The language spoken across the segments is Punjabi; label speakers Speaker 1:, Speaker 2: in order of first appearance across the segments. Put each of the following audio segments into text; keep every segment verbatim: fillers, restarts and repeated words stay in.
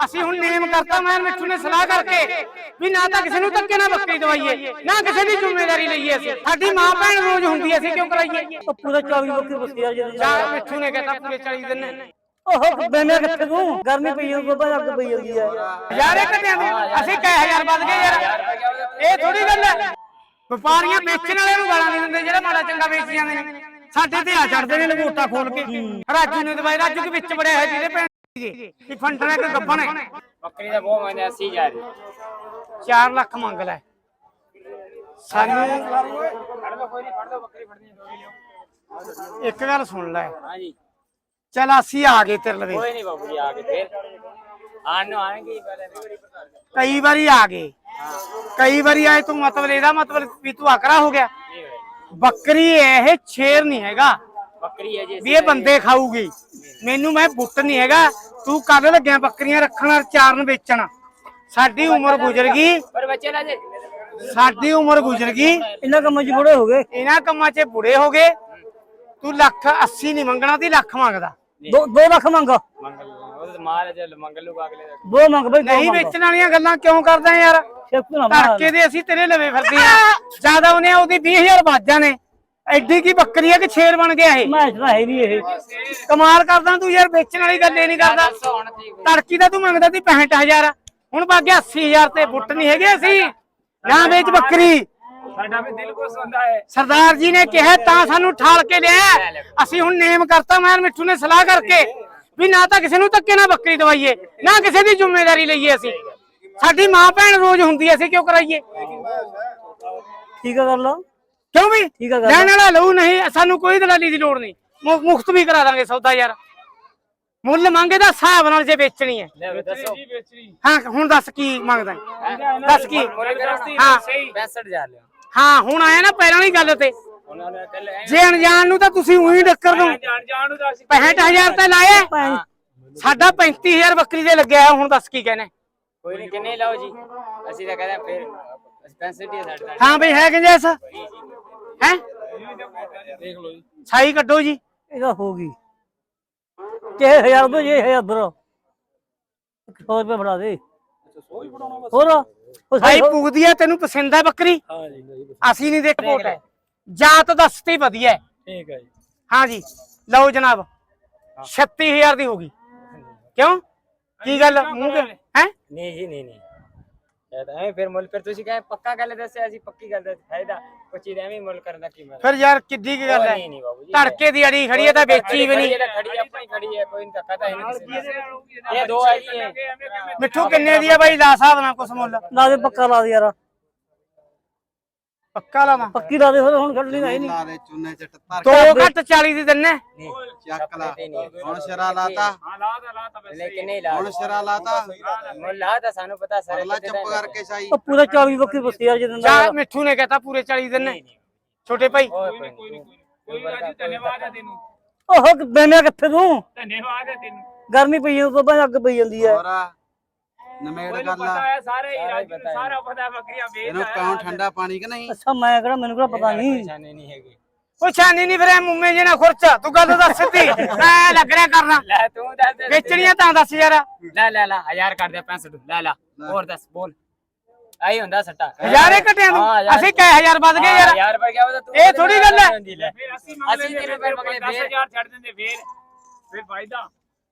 Speaker 1: ਅਸੀਂ ਹੁਣ ਨੇਮ ਕਰਤਾ ਮੈਂ ਮਿੱਠੂ ਨੇ ਸਲਾਹ ਕਰਕੇ ਵੀ ਨਾ ਤਾਂ ਕਿਸੇ ਨੂੰ ਧੱਕੇ ਨਾ ਬੱਕਰੀ ਦਵਾਈਏ ਨਾ ਕਿਸੇ ਦੀ ਜ਼ਿੰਮੇਵਾਰੀ ਲਈਏ ਅਸੀਂ ਸਾਡੀ ਮਾਂ ਭੈਣ ਰੋਜ਼ ਹੁੰਦੀ ਅਸੀਂ ਕਿਉਂ ਕਰਾਈਏ
Speaker 2: ਪੂਰੇ ਚੌਵੀ ਬੱਕਰੀ ਬਸਤੀ ਆ ਜੀ
Speaker 1: ਜਾਂ ਮਿੱਠੂ ਨੇ ਕਹਿਤਾ ਪੂਰੇ ਚਾਲੀ ਦਿਨ ਨੇ
Speaker 2: ਉਹ ਬੈਨੇ ਕਿੱਥੇ ਤੂੰ ਗਰਮੀ ਪਈ ਜਾਂਦੀ ਬਾਬਾ ਅੱਗ ਪਈ ਜਾਂਦੀ ਆ
Speaker 1: ਯਾਰ ਇਹ ਘਟਿਆਂ ਦੀ ਅਸੀਂ ਕਈ ਹਜ਼ਾਰ ਵੱਧ ਗਏ ਯਾਰ ਇਹ ਥੋੜੀ ਗੱਲ ਹੈ ਵਪਾਰੀਆਂ ਵੇਚਣ ਵਾਲਿਆਂ ਨੂੰ ਗਾਲਾਂ ਨਹੀਂ ਦਿੰਦੇ ਜਿਹੜਾ ਮਾੜਾ ਚੰਗਾ ਵੇਚ ਜਾਂਦੇ ਨੇ ਸਾਡੇ ਤੇ ਆ ਚੜਦੇ ਨੇ ਲੰਗੋਟਾ ਖੋਲ ਕੇ ਰਾਜੂ ਨੇ ਦਵਾਈ ਰਾਜੂ ਦੇ ਵਿੱਚ ਬੜਿਆ ਹੈ ਜਿਹਦੇ ਭੈਣ ਜੀ ਫੰਡਰ ਹੈ ਕਿ ਗੱਬਣ ਹੈ
Speaker 3: ਬੱਕਰੀ ਦਾ ਬਹੁਤ ਮੰਗਦੇ ਅੱਸੀ ਹਜ਼ਾਰ
Speaker 1: ਚਾਰ ਲੱਖ ਮੰਗ ਲੈ ਸਾਨੂੰ
Speaker 3: ਫੜ ਲਓ ਕੋਈ ਨਹੀਂ ਫੜ ਲਓ ਬੱਕਰੀ ਫੜਨੀ
Speaker 1: ਇੱਕ ਗੱਲ ਸੁਣ ਲੈ
Speaker 3: ਹਾਂਜੀ
Speaker 1: ਚਲ ਅਸੀਂ ਆ ਗਏ ਤੇਰੇ ਲਵੇ
Speaker 3: ਕੋਈ ਨਹੀਂ ਬਾਬੂ ਜੀ ਆ ਕੇ ਫੇਰ ਆਣ ਨੂੰ ਆਣਗੇ ਪਹਿਲੇ
Speaker 1: ਕਈ ਵਾਰੀ ਆ ਗਏ ਕਈ ਵਾਰੀ ਆਏ ਤੂੰ ਮਤਲਬ ਇਹਦਾ ਮਤਲਬ ਵੀ ਤੂੰ ਆਕਰਾ ਹੋ ਗਿਆ ਬੱਕਰੀ ਇਹ ਸ਼ੇਰ ਨਹੀਂ ਹੈਗਾ
Speaker 3: ਬੱਕਰੀ ਹੈ ਜੀ
Speaker 1: ਵੀ ਇਹ ਬੰਦੇ ਖਾਊਗੀ ਮੈਨੂੰ ਮੈਂ ਬੁੱਟ ਨਹੀਂ ਹੈਗਾ ਤੂੰ ਕੱਲ ਲੱਗਿਆ ਬੱਕਰੀਆਂ ਰੱਖਣ ਚਾਰਨ ਵੇਚਣ ਸਾਡੀ ਉਮਰ ਗੁਜ਼ਰ ਗਈ
Speaker 3: ਪਰ ਬੱਚੇ ਨਾ ਜੇ
Speaker 1: ਸਾਡੀ ਉਮਰ ਗੁਜ਼ਰ ਗਈ
Speaker 2: ਇਹਨਾਂ ਕੰਮਾਂ 'ਚ ਬੁੜੇ ਹੋ ਗਏ
Speaker 1: ਇਹਨਾਂ ਕੰਮਾਂ 'ਚ ਬੁੜੇ ਹੋ ਗਏ ਤੂੰ ਲੱਖ ਅੱਸੀ ਨਹੀਂ ਮੰਗਣਾ ਤੀ ਲੱਖ ਮੰਗਦਾ
Speaker 2: ਦੋ ਦੋ ਲੱਖ ਮੰਗ
Speaker 3: ਮੰਗਲ ਉਹ ਮਾਰ ਜੇ ਮੰਗਲ ਨੂੰ ਅਗਲੇ ਦਾ
Speaker 2: ਦੋ ਮੰਗ ਬਈ
Speaker 1: ਨਹੀਂ ਵੇਚਣ ਵਾਲੀਆਂ ਗੱਲਾਂ ਕਿਉਂ ਕਰਦਾ ਯਾਰ
Speaker 2: ਸ਼ੇਖੂ ਨਾ ਮਾਰ
Speaker 1: ਧੜਕੇ ਦੇ ਅਸੀਂ ਤੇਰੇ ਲਵੇ ਫਿਰਦੇ ਆ ਜਿਆਦਾ ਉਹਨੇ ਉਹਦੀ ਵੀਹ ਹਜ਼ਾਰ ਬਾਜਾਂ ਨੇ ਐਡੀ ਕੀ ਬੱਕਰੀ ਆ ਕਿ ਛੇਰ ਬਣ ਗਿਆ ਇਹ
Speaker 2: ਮੈਂ ਤਾਂ ਹੈ ਨਹੀਂ ਇਹ
Speaker 1: ਕਮਾਲ ਕਰਦਾ ਤੂੰ ਯਾਰ ਵੇਚਣ ਵਾਲੀ ਗੱਲ ਇਹ ਨਹੀਂ ਕਰਦਾ ਤੜਕੀ ਦਾ ਤੂੰ ਮੰਗਦਾ ਸੀ ਪੈਂਹਠ ਹਜ਼ਾਰ ਹੁਣ ਬਾਗਿਆ ਅੱਸੀ ਹਜ਼ਾਰ ਤੇ ਬੁੱਟ ਨਹੀਂ ਹੈਗੇ ਅਸੀਂ ਜਾਂ ਵੇਚ ਬੱਕਰੀ
Speaker 3: ਸਾਡਾ ਵੀ ਦਿਲ ਕੋ ਸੁਣਦਾ ਹੈ
Speaker 1: ਸਰਦਾਰ ਜੀ ਨੇ ਕਿਹਾ ਤਾਂ ਸਾਨੂੰ ਠਾਲ ਕੇ ਲਿਆ ਅਸੀਂ ਹੁਣ ਨੇਮ ਕਰਤਾ ਮੈਂ ਮਿੱਠੂ ਨੇ ਸਲਾਹ ਕਰਕੇ ਵੀ ਨਾ ਤਾਂ ਕਿਸੇ ਨੂੰ ਧੱਕੇ ਨਾ ਬੱਕਰੀ ਦਵਾਈਏ ਨਾ ਕਿਸੇ ਦੀ ਜ਼ਿੰਮੇਵਾਰੀ ਲਈਏ ਅਸੀਂ ਸਾਡੀ ਮਾਂ ਭੈਣ ਰੋਜ਼ ਹੁੰਦੀ ਅਸੀਂ ਕਿਉਂ ਕਰਾਈਏ
Speaker 2: ਠੀਕ ਆ ਕਰ ਲਓ
Speaker 1: ਕਿਉਂ ਵੀ
Speaker 2: ਠੀਕ ਆ ਗੱਲ
Speaker 1: ਲੈਣ ਵਾਲਾ ਲਊ ਨਹੀਂ ਸਾਨੂੰ ਕੋਈ ਦਲਾਲੀ ਦੀ ਲੋੜ ਨਹੀਂ ਮੁਫਤ ਵੀ ਕਰਾ ਦਾਂਗੇ ਸੌਦਾ ਯਾਰ ਮੁੱਲ ਮੰਗੇ ਦਾ ਹਿਸਾਬ ਨਾਲ ਜੇ ਵੇਚਣੀ ਹੈ
Speaker 3: ਲੈ ਦੱਸੋ
Speaker 1: ਹਾਂ ਹੁਣ ਦੱਸ ਕੀ ਮੰਗਦਾ ਦੱਸ ਕੀ ਹਾਂ
Speaker 3: ਪੈਂਸਠ ਹਜ਼ਾਰ ਲਿਆ
Speaker 1: ਹਾਂ ਹੁਣ ਆਇਆ ਨਾ ਪਹਿਲਾਂ ਵਾਲੀ ਗੱਲ ਤੇ
Speaker 3: ਉਹਨਾਂ ਨੇ ਕੱਲ
Speaker 1: ਜੇ ਅਣਜਾਣ ਨੂੰ ਤਾਂ ਤੁਸੀਂ ਉਹੀ ਡੱਕਰ ਦੋ
Speaker 3: ਜਾਣ ਜਾਣ ਨੂੰ ਦੱਸ
Speaker 1: ਪੈਂਹਠ ਹਜ਼ਾਰ ਤੇ ਲਾਇਆ ਸਾਡਾ ਪੈਂਤੀ ਹਜ਼ਾਰ ਬੱਕਰੀ ਦੇ ਲੱਗਿਆ ਹੁਣ ਦੱਸ ਕੀ ਕਹਿੰਦੇ
Speaker 3: ਕੋਈ ਨਹੀਂ ਕਿੰਨੇ ਲਾਓ ਜੀ ਅਸੀਂ ਤਾਂ ਕਹਿੰਦੇ ਫਿਰ ਪੈਂਸਠ ਹੀ ਸਾਡੇ ਨਾਲ
Speaker 1: ਹਾਂ ਬਈ ਹੈ ਕਿੰਜੈਸ ਹੈ
Speaker 3: ਦੇਖ ਲਓ ਜੀ
Speaker 1: ਸਾਈ ਕੱਢੋ ਜੀ
Speaker 2: ਇਹਦਾ ਹੋ ਗਈ ਕਿਹ ਹਜ਼ਾਰ ਦੋ ਜੇ ਹਜ਼ਾਰ ਦੋ ਸੌ ਰੁਪਏ ਫੜਾ ਦੇ ਹੋਰ ਉਹ
Speaker 1: ਸਾਈ ਪੁੱਗਦੀ ਹੈ ਤੈਨੂੰ ਪਸੰਦ ਹੈ ਬੱਕਰੀ
Speaker 3: ਹਾਂ ਜੀ
Speaker 1: ਅਸੀਂ ਨਹੀਂ ਦੇਖ ਕੋਟ ਹੈ ਜਾਤ ਦੱਸਤੀ ਵਧੀਆ ਹੈ
Speaker 3: ਠੀਕ ਹੈ ਜੀ
Speaker 1: ਹਾਂ ਜੀ ਲਓ ਜਨਾਬ ਛੱਤੀ ਹਜ਼ਾਰ ਦੀ ਹੋ ਗਈ ਕਿਉਂ ਕੀ ਗੱਲ ਮੂੰਹ ਹੈ
Speaker 3: ਨਹੀਂ ਜੀ ਨਹੀਂ ਨਹੀਂ ਇਹ ਤਾਂ ਐਵੇਂ ਫਿਰ ਮੁੱਲ ਫਿਰ ਤੁਸੀਂ ਕਹੇ ਪੱਕਾ ਗੱਲ ਦੱਸਿਆ ਅਸੀਂ ਪੱਕੀ ਗੱਲ ਦਾ ਫਾਇਦਾ ਕੋਈ ਚੀਜ਼ ਐਵੇਂ ਮੁੱਲ ਕਰਨ ਦਾ ਕੀ ਮਤਲਬ
Speaker 1: ਫਿਰ ਯਾਰ ਕਿੱਡੀ ਕੀ ਗੱਲ ਹੈ
Speaker 3: ਨਹੀਂ ਨਹੀਂ ਬਾਬੂ ਜੀ
Speaker 1: ਧੜਕੇ ਦੀ ਅੜੀ ਖੜੀ ਹੈ ਤਾਂ ਵੇਚੀ ਵੀ ਨਹੀਂ
Speaker 3: ਖੜੀ ਆਪਣੀ ਖੜੀ ਹੈ ਕੋਈ ਧੱਕਾ ਤਾਂ ਹੈ ਨਹੀਂ ਇਹ ਦੋ ਹੈ ਜੀ ਇਹ
Speaker 1: ਮਿੱਠੂ ਕਿੰਨੇ ਦੀ ਹੈ ਬਾਈ ਲਾ ਸਾਹਿਬ ਨਾਲ ਕੁਛ ਮੁੱਲ
Speaker 2: ਲਾ ਦੇ ਪੱਕਾ ਲਾ ਦੇ ਯਾਰ
Speaker 1: ਪੱਕਾ ਲਾਵਾਂ
Speaker 2: ਪੱਕੀ ਲਾ ਦੇ ਫਿਰ ਹੁਣ ਕੱਢਣੀ ਨਹੀਂ ਨਹੀਂ
Speaker 4: ਲਾ ਦੇ ਚੁੰਨੇ ਚ ਟੱਪਰ
Speaker 1: ਦੋ ਘੱਟ ਚਾਲੀ ਦੀ ਦਿੰਨੇ
Speaker 4: ਚੱਕ ਲਾ ਹੁਣ ਸ਼ਰਾ ਲਾਤਾ
Speaker 3: ਹਾਂ ਲਾ ਦਾ ਲਾ ਤਾਂ ਲੇਕਿਨ ਨਹੀਂ ਲਾ
Speaker 4: ਹੁਣ ਸ਼ਰਾ ਲਾਤਾ
Speaker 3: ਮੁੱਲ ਲਾ ਤਾਂ ਸਾਨੂੰ ਪਤਾ ਸਾਰੇ
Speaker 4: ਅਗਲਾ ਚੁੱਪ ਕਰਕੇ ਸਾਈ
Speaker 2: ਉਹ ਪੂਰੇ ਚੌਵੀ ਬੱਕਰੀ ਬਸਤੀ ਆ ਜਦੋਂ
Speaker 1: ਜਾ ਮਿੱਠੂ ਨੇ ਕਹਤਾ ਪੂਰੇ ਚਾਲੀ ਦਿੰਨੇ ਛੋਟੇ ਭਾਈ
Speaker 3: ਕੋਈ ਨਹੀਂ ਕੋਈ ਰਾਜੂ ਧੰਨਵਾਦ ਹੈ ਤੈਨੂੰ
Speaker 2: ਉਹ ਬੈਨੇ ਕਿੱਥੇ ਤੂੰ
Speaker 3: ਧੰਨਵਾਦ ਹੈ ਤੈਨੂੰ
Speaker 2: ਗਰਮੀ ਪਈ ਜਾਂਦੀ ਬਾਬਾ ਅੱਗ ਪਈ ਜਾਂਦੀ ਹੈ
Speaker 4: ਹੋਰ ਨਮੇੜ ਗੱਲ
Speaker 3: ਪਤਾ
Speaker 4: ਆ
Speaker 3: ਹੈ ਸਾਰੇ ਹੀ ਰਾਜੂ ਨੂੰ ਸਾਰਾ ਪਤਾ ਬੱਕਰੀਆਂ ਵੇਚ
Speaker 4: ਇਹਨੂੰ ਪਿਉਂ ਠੰਡਾ ਪਾਣੀ ਕਿ ਨਹੀਂ
Speaker 2: ਅੱਛਾ ਮੈਂ ਕਿਹੜਾ ਮੈਨੂੰ ਕਿਹੜਾ ਪਤਾ ਨਹੀਂ
Speaker 3: ਪਰੇਸ਼ਾਨੀ ਨਹੀਂ ਹੈਗੀ
Speaker 1: ਉਹ ਛਾਨੀ ਨਹੀਂ ਫਿਰ ਮੁੰਮੇ ਜੇ ਨਾ ਖੁਰਚ ਤੂੰ ਗੱਲ ਦੱਸ ਸਿੱਧੀ ਐ ਲੱਗ ਰਿਹਾ ਕਰਨਾ
Speaker 3: ਲੈ ਤੂੰ ਦੱਸ ਦੇ
Speaker 1: ਵੇਚਣੀਆਂ ਤਾਂ ਦੱਸ ਯਾਰ
Speaker 3: ਲੈ ਲੈ ਲੈ ਹਜ਼ਾਰ ਕਰ ਦੇ ਪੈਂਸਠ ਲੈ ਲੈ ਹੋਰ ਦੱਸ ਬੋਲ ਆਈ ਹੁੰਦਾ ਸੱਟਾ
Speaker 1: ਹਜ਼ਾਰੇ ਘਟਿਆਂ ਦੀ ਅਸੀਂ ਕਈ ਹਜ਼ਾਰ ਵੱਧ ਗਏ ਯਾਰ
Speaker 3: ਯਾਰ ਪਰ ਗਿਆ ਤੂੰ
Speaker 1: ਇਹ ਥੋੜੀ ਗੱਲ ਹੈ
Speaker 3: ਫਿਰ ਅਸੀਂ ਅਸੀਂ ਤੇਰੇ ਪਰ ਬਗਲੇ ਦਸ ਹਜ਼ਾਰ ਛੱਡ ਦਿੰਦੇ ਫੇਰ ਫਿਰ ਫਾਇਦਾ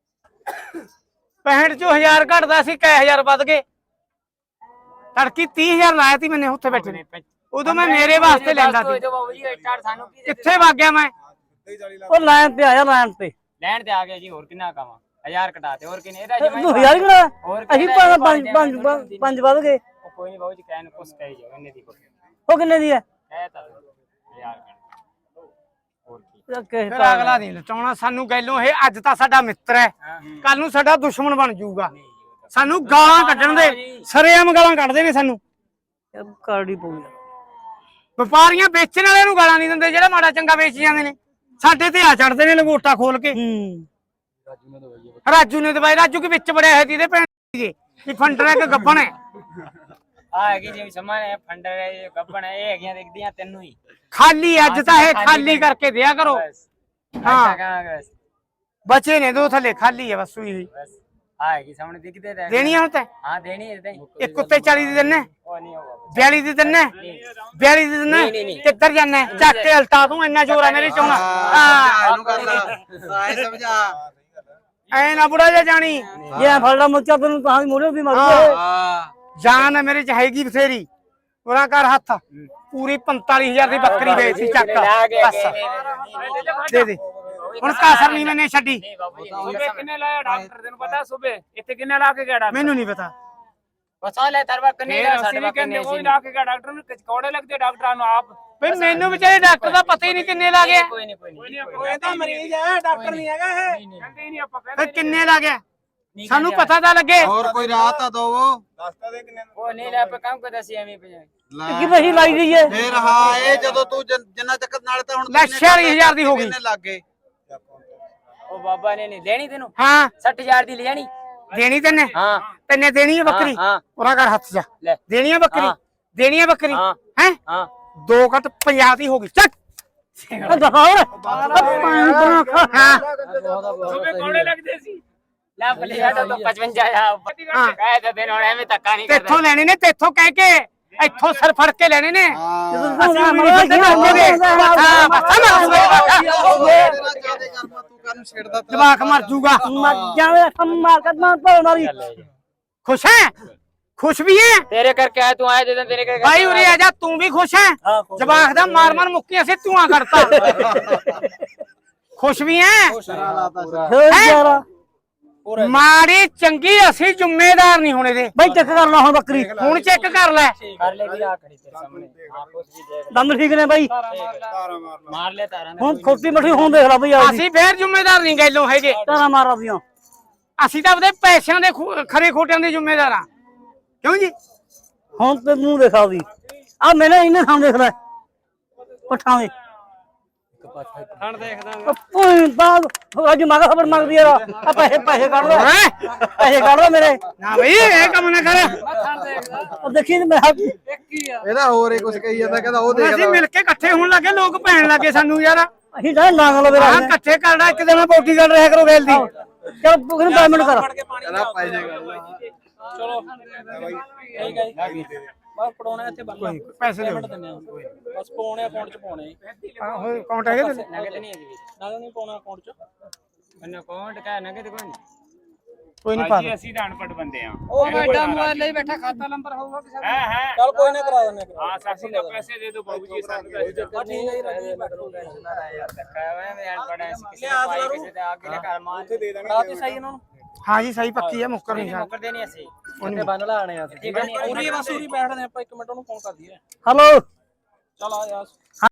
Speaker 1: ਪੈਂਹਠ ਚੋਂ ਹਜ਼ਾਰ ਘਟਦਾ ਸੀ ਕਈ ਹਜ਼ਾਰ ਵੱਧ ਗਏ ਤੜਕੀ ਤੀਹ ਹਜ਼ਾਰ ਲਾਇਆ ਸੀ ਮੈਨੇ ਉੱਥੇ ਬੈਠੇ ਨੇ ਉਦੋਂ ਮੈਂ ਮੇਰੇ ਵਾਸਤੇ ਲੈਂਦਾ ਸੀ
Speaker 3: ਬਾਬੂ ਜੀ ਸਟਾਰ ਸਾਨੂੰ ਕੀ
Speaker 1: ਕਿੱਥੇ ਵਗ ਗਿਆ ਮੈਂ
Speaker 2: ਉਹ ਲਾਈਨ ਤੇ ਆਇਆ ਲਾਈਨ ਤੇ
Speaker 3: ਲੈਣ ਤੇ ਆ ਗਿਆ ਜੀ ਹੋਰ ਕਿੰਨਾ ਕਾਵਾਂ ਹਜ਼ਾਰ ਘਟਾਤੇ ਹੋਰ ਕਿੰਨੇ ਇਹਦਾ ਜੀ
Speaker 2: ਤੂੰ ਹਜ਼ਾਰ ਹੀ ਕਿਹੜਾ ਅਸੀਂ ਪੰਜ ਪੰਜ ਪੰਜ ਪੰਜ ਵੱਧ ਗਏ
Speaker 3: ਕੋਈ ਨਹੀਂ ਬਾਬੂ ਜੀ ਕਹਿਣ ਕੁਛ ਕਹੀ ਜਾਓ ਇਹਨੇ ਦੀ
Speaker 2: ਉਹ ਕਿੰਨੇ ਦੀ ਹੈ
Speaker 3: ਕਹਿ ਤਾ ਹਜ਼ਾਰ ਹੋਰ ਕੀ
Speaker 1: ਫਿਰ ਅਗਲਾ ਨਹੀਂ ਲਟਾਉਣਾ ਸਾਨੂੰ ਗੈਲੋਂ ਇਹ ਅੱਜ ਤਾਂ ਸਾਡਾ ਮਿੱਤਰ ਹੈ ਕੱਲ ਨੂੰ ਸਾਡਾ ਦੁਸ਼ਮਣ ਬਣ ਜਾਊਗਾ ਸਾਨੂੰ ਗਾਲਾਂ ਕੱਢਣ ਦੇ ਸਰੇਆਮ ਗਾਲਾਂ ਕੱਢਦੇ ਨੇ ਸਾਨੂੰ
Speaker 2: ਕਾਰਡੀ ਪਊਗੀ
Speaker 1: ਵਪਾਰੀਆਂ ਵੇਚਣ ਵਾਲਿਆਂ ਨੂੰ ਗਾਲਾਂ ਨਹੀਂ ਦਿੰਦੇ ਜਿਹੜਾ ਮਾੜਾ ਚੰਗਾ ਵੇਚ ਜਾਂਦੇ ਨੇ ਸਾਡੇ ਤੇ ਆ ਚੜਦੇ ਨੇ ਲੰਗੋਟਾ ਖੋਲ ਕੇ
Speaker 2: ਹੂੰ
Speaker 1: ਰਾਜੂ ਨੇ ਦਵਾਈ ਰਾਜੂ ਕੇ ਵਿੱਚ ਬੜਿਆ ਹੈ ਜਿਹਦੇ ਭੈਣ ਜੀ ਕੀ ਫੰਡਰ ਹੈ ਕਿ ਗੱਬਣ ਹੈ
Speaker 3: ਆ ਹੈਗੀ ਜਿਵੇਂ ਸਮਾਨ ਹੈ ਫੰਡਰ ਹੈ ਇਹ ਗੱਬਣ ਹੈ ਇਹ ਹੈਗੀਆਂ ਦੇਖਦੀਆਂ ਤੈਨੂੰ ਹੀ
Speaker 1: ਖਾਲੀ ਅੱਜ ਤਾਂ ਇਹ ਖਾਲੀ ਕਰਕੇ ਦਿਆ ਕਰੋ
Speaker 3: ਹਾਂ
Speaker 1: ਬਚੇ ਨੇ ਦੋ ਥੱਲੇ ਖਾਲੀ ਹੈ ਬਸ ਸੂਈ ਹੋਈ
Speaker 3: ਬਸ ਆਏਗੀ ਸਾਹਮਣੇ ਦਿਖਦੇ ਰਹਿ
Speaker 1: ਦੇਣੀ ਆ ਹੁਣ ਤੈਂ
Speaker 3: ਹਾਂ ਦੇਣੀ ਹੈ ਇਦਾਂ ਹੀ
Speaker 1: ਇੱਕ ਉੱਤੇ ਚਾਲੀ ਦੀ ਦਿੰਨੇ
Speaker 3: ਉਹ ਨਹੀਂ ਹੋਗਾ
Speaker 1: ਬਿਆਲੀ ਦੀ ਦਿੰਨੇ ਬਿਆਲੀ ਦੀ ਦਿੰਨੇ ਕਿੱਧਰ ਜਾਣਾ ਚੱਕ ਕੇ ਹਲਟਾ ਤੂੰ ਇੰਨਾ ਜ਼ੋਰ ਆ ਮੇਰੇ ਚ ਆਉਣਾ
Speaker 4: ਹਾਂ ਇਹਨੂੰ ਕਰਦਾ ਆਏ ਸਮਝਾ
Speaker 1: ਐ ਨਾ ਬੁੜਾ ਜਾ ਜਾਣੀ
Speaker 2: ਜੇ ਐਂ ਫੜਦਾ ਮੁੱਚਾ ਤੈਨੂੰ ਤਾਂ ਮੋੜੇ ਵੀ ਮਰਦੇ
Speaker 4: ਹਾਂ
Speaker 1: ਜਾਨ ਹੈ ਮੇਰੇ ਚ ਹੈਗੀ ਬਥੇਰੀ ਉਹਨਾਂ ਕਰ ਹੱਥ ਪੂਰੀ ਪੰਤਾਲੀ ਹਜ਼ਾਰ ਦੀ ਬੱਕਰੀ ਵੇਚੀ ਚੱਕ ਬਸ ਦੇ ਦੇ ਹੁਣ ਕਾਸਰ ਨਹੀਂ ਮੈਨੇ ਛੱਡੀ
Speaker 3: ਸੁਬੇ ਕਿੰਨੇ ਲਾਇਆ ਡਾਕਟਰ ਤੈਨੂੰ ਪਤਾ ਸੁਬੇ ਇੱਥੇ ਕਿੰਨੇ ਲਾ ਕੇ ਗਿਆ ਡਾਕਟਰ
Speaker 1: ਮੈਨੂੰ ਨਹੀਂ ਪਤਾ
Speaker 3: ਬਸਾ ਲੈ ਤਰਵਾ ਕਿੰਨੇ ਦਾ ਸਾਡੇ ਵਾ ਕਿੰਨੇ
Speaker 5: ਕੋਈ ਲਾ ਕੇ ਗਿਆ ਡਾਕਟਰ ਨੂੰ ਕੌੜੇ ਲੱਗਦੇ ਡਾਕਟਰਾਂ ਨੂੰ ਆਪ
Speaker 1: ਬਈ ਮੈਨੂੰ ਵਿਚਾਰੇ ਡਾਕਟਰ ਦਾ ਪਤਾ ਹੀ ਨਹੀਂ ਕਿੰਨੇ ਲਾ ਗਿਆ
Speaker 3: ਕੋਈ ਨਹੀਂ ਕੋਈ ਨਹੀਂ
Speaker 5: ਇਹ ਤਾਂ ਮਰੀਜ਼ ਹੈ ਡਾਕਟਰ ਨਹੀਂ ਹੈਗਾ ਇਹ ਕਹਿੰਦੇ ਹੀ ਨਹੀਂ ਆਪਾਂ
Speaker 1: ਫਿਰ ਕਿੰਨੇ ਲਾ ਗਿਆ ਸਾਨੂੰ ਪਤਾ ਤਾਂ ਲੱਗੇ
Speaker 4: ਹੋਰ ਕੋਈ ਰਾਹ ਤਾਂ ਦੋ
Speaker 3: ਉਹ ਨਹੀਂ ਲੈ ਆਪਾਂ ਕੰਮ ਕਰਦਾ ਸੀ ਐਵੇਂ ਪੰਜਾ
Speaker 2: ਕਿ ਵਹੀ ਲਾਈ ਗਈ ਹੈ
Speaker 4: ਫੇਰ ਹਾਂ ਇਹ ਜਦੋਂ ਤੂੰ ਜਿੰਨ- ਜਿੰਨਾ ਚੱਕਰ ਨਾਲ ਤਾਂ ਹੁਣ
Speaker 1: ਲੈ ਛਿਆਲੀ ਹਜ਼ਾਰ ਦੀ ਹੋ ਗਈ
Speaker 4: ਕਿੰਨੇ ਲੱਗ ਗਏ
Speaker 3: ਉਹ ਬਾਬਾ ਨੇ ਨਹੀਂ ਦੇਣੀ ਤੈਨੂੰ
Speaker 1: ਹਾਂ
Speaker 3: ਸੱਠ ਹਜ਼ਾਰ ਦੀ ਲੈ ਜਾਣੀ
Speaker 1: ਦੇਣੀ ਤੈਨੇ
Speaker 3: ਹਾਂ
Speaker 1: ਤੈਨੇ ਦੇਣੀ ਹੈ ਬੱਕਰੀ
Speaker 3: ਹਾਂ
Speaker 1: ਉਹਨਾਂ ਕਰ ਹੱਥ ਜਾ
Speaker 3: ਲੈ
Speaker 1: ਦੇਣੀ ਹੈ ਬੱਕਰੀ
Speaker 3: ਹਾਂ।
Speaker 1: ਦੇਣੀ ਹੈ ਬੱਕਰੀ
Speaker 3: ਹਾਂ
Speaker 1: ਹੈ
Speaker 3: ਹਾਂ
Speaker 1: ਦੋ ਘੱਟ ਪੰਜਾਹ ਦੀ ਹੋ ਗਈ ਚੱਕ
Speaker 2: ਦਿਖਾਓ
Speaker 1: ਹਾਂ
Speaker 5: ਸੁਬੇ ਕੌੜੇ ਲੱਗਦੇ ਸੀ
Speaker 3: ਲੈ ਬਲੇ ਆ ਤਾਂ ਪਚਵੰਜਾ ਆ
Speaker 1: ਹਾਂ।
Speaker 3: ਕਾਇ ਤਾਂ ਦਿਨ ਹੁਣ ਐਵੇਂ ਧੱਕਾ ਨਹੀਂ ਕਰਦਾ
Speaker 1: ਤੇਥੋਂ ਲੈਣੇ ਨੇ ਤੇਥੋਂ ਕਹਿ ਕੇ ਇੱਥੋਂ ਸਰ ਫੜ ਕੇ ਲੈਣੇ ਨੇ
Speaker 4: ਹਾਂ
Speaker 1: ਅਸੀਂ ਵੀ ਨਹੀਂ ਬੰਦੇ ਮੰਗੋਗੇ ਹਾਂ ਬੱਸਾ ਮਾਰ
Speaker 4: ਤੇਰਾ ਜਿਆਦੇ ਕਰਮਾ ਤੂੰ ਕਰਨ ਛੇੜਦਾ ਤੇਰਾ
Speaker 1: ਜਵਾਕ ਮਰ ਜੂਗਾ
Speaker 2: ਮਰ ਜਾਵੇ ਮਾਰ ਕੱਢਣਾ ਤੋਂ ਮਾਰੀ
Speaker 1: ਖੁਸ਼ ਹੈ ਖੁਸ਼ ਵੀ ਹੈ
Speaker 3: ਤੇਰੇ ਕਰਕੇ ਆਇਆ ਤੂੰ ਆਇਆ ਜਦੋਂ ਤੇਰੇ ਕਰਕੇ
Speaker 1: ਭਾਈ ਉਰੇ ਆ ਜਾ ਤੂੰ ਵੀ ਖੁਸ਼ ਹੈ ਜਵਾਕ ਦਾ ਮਾਰ ਮਾਰ ਮੁੱਕੀ ਅਸੀਂ ਧੂਆਂ ਕਰਤਾ ਖੁਸ਼ ਵੀ ਹੈ
Speaker 2: ਫੇਰ ਯਾਰਾ
Speaker 1: ਮਾੜੀ ਚੰਗੀ ਅਸੀਂ ਜ਼ਿੰਮੇਦਾਰ ਨਹੀਂ ਹੋਣੇ ਦੇ
Speaker 2: ਬਈ ਚੈੱਕ ਕਰ ਲਾ ਹੁਣ ਬੱਕਰੀ
Speaker 1: ਹੁਣ ਚੈੱਕ ਕਰ ਲੈ
Speaker 3: ਕਰ ਲੈ ਵੀਰਾ ਖੜੀ ਤੇਰੇ ਸਾਹਮਣੇ ਆਪ ਉਸ ਵੀ ਦੇਖ
Speaker 2: ਦੰਦ ਠੀਕ ਨੇ ਬਾਈ
Speaker 3: ਮਾਰ ਲੈ ਤਾਰਾਂ
Speaker 2: ਹੁਣ ਛੋਟੀ ਮੱਠੀ ਹੁਣ ਦੇਖ ਲੈ ਬਈ ਆ
Speaker 1: ਅਸੀਂ ਫੇਰ ਜ਼ਿੰਮੇਦਾਰ ਨਹੀਂ ਗੈਲੋਂ ਹੈਗੇ
Speaker 2: ਤਾਰਾ ਮਾਰਾ ਦੀਆਂ
Speaker 1: ਅਸੀਂ ਤਾਂ ਉਹਦੇ ਪੈਸਿਆਂ ਦੇ ਖੂ- ਖਰੇ ਖੋਟਿਆਂ ਦੇ ਜ਼ਿੰਮੇਦਾਰ ਆ ਕਿਉਂ ਜੀ
Speaker 2: ਹੁਣ ਤੇ ਮੂੰਹ ਦੇਖਾ ਦੀ ਆ ਮੈਨੇ ਇਹਨੇ ਥਾਂ ਦੇਖ ਲੈ ਪੱਠਾਂ ਦੇ
Speaker 5: ਹਣ ਦੇਖਦਾ
Speaker 2: ਓਏ ਬਾਗ ਅੱਜ ਮਗਾ ਖਬਰ ਮੰਗਦੀ ਯਾਰ ਆ ਪੈਸੇ ਪੈਸੇ ਕੱਢ ਲੈ
Speaker 1: ਹੈਂ?
Speaker 2: ਪੈਸੇ ਕੱਢ ਲੈ ਮੇਰੇ
Speaker 1: ਨਾ ਬਈ ਇਹ ਕੰਮ ਨਾ ਕਰ
Speaker 2: ਉਹ ਦੇਖੀ ਤੇ ਮੈਂ ਹੱਥ
Speaker 4: ਇਹਦਾ ਹੋਰ ਹੀ ਕੁਝ ਕਹੀ ਜਾਂਦਾ ਕਹਿੰਦਾ ਉਹ
Speaker 1: ਅਸੀਂ
Speaker 4: ਦੇਖਦਾ
Speaker 1: ਮਿਲ ਕੇ ਇਕੱਠੇ ਹੋਣ ਲੱਗੇ ਲੋਕ ਭੈਣ ਲੱਗੇ ਸਾਨੂੰ ਯਾਰ
Speaker 2: ਅਸੀਂ ਤਾਂ ਲਾਂਗ ਲਵੇ
Speaker 1: ਆਹ ਇਕੱਠੇ ਕਰਨਾ ਇੱਕ ਦਿਨ ਬੋਟੀ ਕਰ ਰਿਹਾ ਕਰੋ ਗੈਲ ਦੀ
Speaker 2: ਚਲ ਤੂੰ ਕਿਹਨੂੰ ਦਸ ਮਿੰਟ ਕਰ
Speaker 4: ਕਹਿੰਦਾ ਪੈ ਜਾਏਗਾ
Speaker 5: ਚਲੋ ਠੀਕ ਹੈ ਜੀ ਬਸ ਪੜਾਉਣਾ ਇੱਥੇ ਬੰਨ
Speaker 1: ਪੈਸੇ ਦਿਓ
Speaker 5: ਬਸ ਪਾਉਣੇ ਅਕਾਊਂਟ ਚ ਪਾਉਣੇ
Speaker 1: ਆਹੋ ਅਕਾਊਂਟ ਹੈਗੇ ਤੇ
Speaker 3: ਨਗਦ ਨਹੀਂ ਹੈਗੀ
Speaker 5: ਨਾ ਨਹੀਂ ਪਾਉਣਾ ਅਕਾਊਂਟ ਚ
Speaker 3: ਮੈਨੂੰ ਅਕਾਊਂਟ ਕਾ ਨਗਦ ਕੋਈ ਨਹੀਂ
Speaker 1: ਕੋਈ ਨਹੀਂ ਪਾ
Speaker 5: ਅਸੀਂ ਤਾਂ ਅਨਪੜ ਬੰਦੇ ਆ
Speaker 3: ਉਹ ਵੱਡਾ ਮੋਬਾਈਲ ਲਈ ਬੈਠਾ ਖਾਤਾ ਨੰਬਰ ਹੋਊਗਾ ਕਿਸੇ
Speaker 5: ਹੈ ਹੈ
Speaker 2: ਚਲ ਕੋਈ ਨਾ ਕਰਾ ਦਿੰਦੇ
Speaker 5: ਹਾਂ ਸਾਸੀ ਦਾ ਪੈਸੇ ਦੇ ਦਿਓ ਬਾਬੂ ਜੀ ਸਾਨੂੰ
Speaker 2: ਠੀਕ ਹੈ ਰਾਜੀ
Speaker 3: ਧੱਕਾ ਵਾ ਮੈਂ ਅਨਪੜ ਐ ਕਿਸੇ ਦਾ ਭਾਈ ਕਿਸੇ ਦਾ ਅੱਗੇ ਘਰ ਮਾਰ ਤੇ ਦੇ
Speaker 2: ਰਾਤੀ ਸਹੀ ਇਹਨਾਂ ਨੂੰ
Speaker 1: ਹਾਂ ਜੀ ਸਹੀ ਪੱਕੀ ਹੈ ਮੁੱਕਰ ਨਹੀਂ ਸ਼ਾਇਦ
Speaker 3: ਮੁੱਕਰਦੇ ਨਹੀਂ ਅਸੀਂ
Speaker 2: ਉੱਤੇ ਬੰਨ ਲਾਣੇ ਆ
Speaker 3: ਠੀਕ ਹੈ ਨਹੀਂ
Speaker 5: ਪੂਰੀ ਬਸ ਪੂਰੀ ਬੈਠਦੇ ਆਪਾਂ ਇੱਕ ਮਿੰਟ ਉਹਨੂੰ ਫੋਨ ਕਰ ਦਈਏ
Speaker 2: ਹਲੋ
Speaker 5: ਚਲ ਆ ਯਾਰ